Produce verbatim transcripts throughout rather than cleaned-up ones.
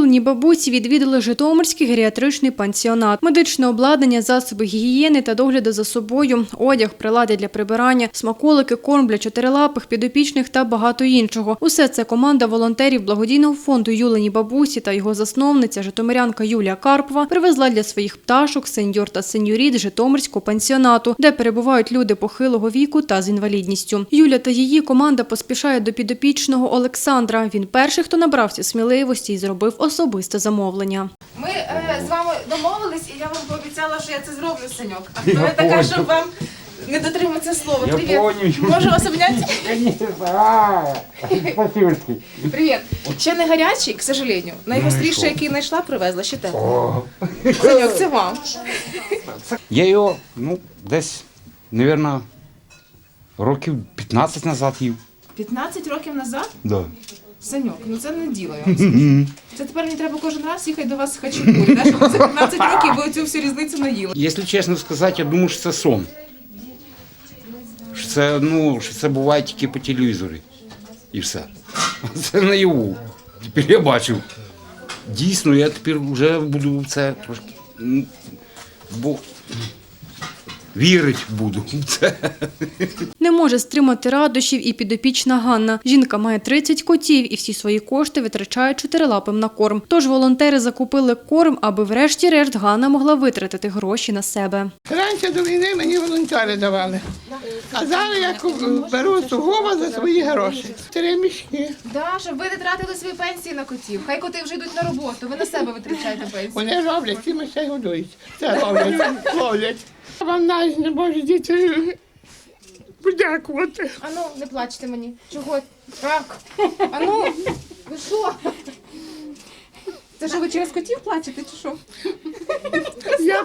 Юлині бабусі відвідали Житомирський геріатричний пансіонат. Медичне обладнання, засоби гігієни та догляду за собою, одяг, прилади для прибирання, смаколики, корм для чотирилапих, підопічних та багато іншого. Усе це команда волонтерів благодійного фонду Юлині бабусі та його засновниця, житомирянка Юлія Карпова, привезла для своїх пташок, сеньор та сеньоріт Житомирського пансіонату, де перебувають люди похилого віку та з інвалідністю. Юля та її команда поспішає до підопічного Олександра. Він перший, хто набрався сміливості і зробив особисте замовлення. Ми е, з вами домовились, і я вам пообіцяла, що я це зроблю, Саньок. А хто я така, щоб вам не дотриматися слова? Я Привіт. понял. Можу вас обняти? Спасибо. Привіт. Ще не гарячий, к сожалению. Найгостріше, що? який знайшла, привезла. Ще те. Саньок, це вам. Я його, ну, десь, мабуть, років п'ятнадцять назад їв. п'ятнадцять років назад? Да. Саньок, ну це не діло, я вам скажу. Це тепер мені треба кожен раз їхати до вас з хачапурі, да? Щоб за п'ятнадцять років ви цю всю різницю наїли. Якщо чесно сказати, я думаю, що це сон. Що це, ну, що це буває тільки по телевізорі. І все. А це наяву. Тепер я бачу. Дійсно, я тепер вже буду в це трошки, ну, бо вірити буду в це. Не може стримати радощів і підопічна Ганна. Жінка має тридцять котів і всі свої кошти витрачає чотирилапим на корм. Тож волонтери закупили корм, аби врешті-решт Ганна могла витратити гроші на себе. Раніше до війни мені волонтери давали, а зараз я беру сугубо за свої гроші. Три мішки. Да, щоб ви не тратили свої пенсії на котів. Хай коти вже йдуть на роботу, ви на себе витрачаєте пенсію. Вони роблять, ці мишей годують. Це роблять, ловлять. Вам навіть не можу діти подякувати. Ану, не плачте мені. Чого? Так. Ану, ви що? Це що, ви через котів плачете чи що? Я,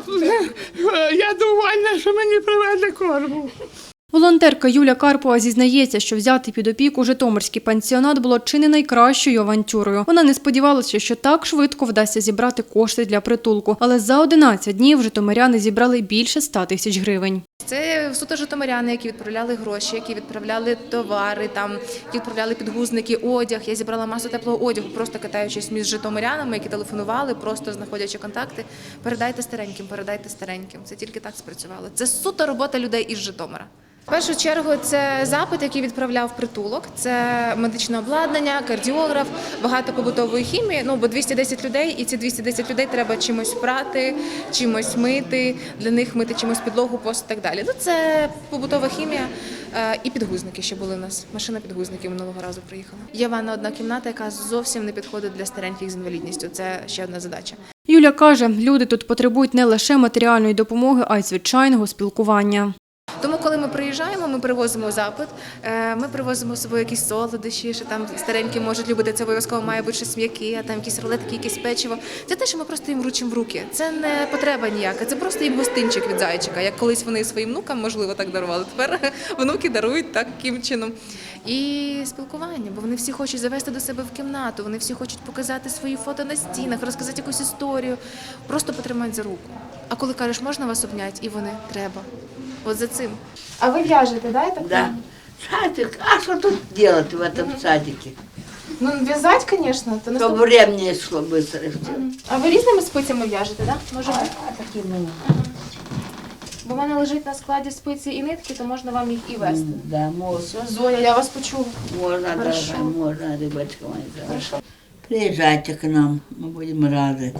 я довольна, що мені привезли корму. Волонтерка Юля Карпова зізнається, що взяти під опіку Житомирський пансіонат було чи не найкращою авантюрою. Вона не сподівалася, що так швидко вдасться зібрати кошти для притулку. Але за одинадцять днів житомиряни зібрали більше ста тисяч гривень. Це суто житомиряни, які відправляли гроші, які відправляли товари, там, які відправляли підгузники, одяг. Я зібрала масу теплого одягу, просто катаючись між житомирянами, які телефонували, просто знаходячи контакти. Передайте стареньким, передайте стареньким. Це тільки так спрацювало. Це суто робота людей із Житомира. В першу чергу це запит, який відправляв притулок, це медичне обладнання, кардіограф, багато побутової хімії, ну, бо двісті десять людей, і ці двісті десять людей треба чимось прати, чимось мити, для них мити чимось підлогу, пост і так далі. Ну, це побутова хімія е, і підгузники ще були у нас, машина підгузників минулого разу приїхала. Є ванна одна кімната, яка зовсім не підходить для стареньких з інвалідністю, це ще одна задача. Юля каже, люди тут потребують не лише матеріальної допомоги, а й звичайного спілкування. Тому, коли ми приїжджаємо, ми привозимо запит, ми привозимо з собою якісь солодощі, що там старенькі можуть любити, це обов'язково має бути щось м'яке, а там якісь рулетки, якесь печиво. Це те, що ми просто їм вручимо в руки. Це не потреба ніяка, це просто їм гостинчик від зайчика. Як колись вони своїм внукам, можливо, так дарували, тепер внуки дарують таким чином. І спілкування, бо вони всі хочуть завести до себе в кімнату, вони всі хочуть показати свої фото на стінах, розказати якусь історію, просто потримати за руку. А коли кажеш, можна вас обняти, і вони, треба. От за цим. А ви в'яжете, да, я так? Да. Садик. А что тут делать в этом садике? Ну, в'язати, звісно. То Чтобы времени шло быстро. А ви різними спицями в'яжете, так? Да? Може бути? Такими. Бо в мене лежить на складі спиці і нитки, то можна вам їх і вести. Да, можно. Зоя, я вас почула. Можно, Хорошо. дорогая, можно, рыбочка моя. Хорошо. Приезжайте к нам, мы будем рады.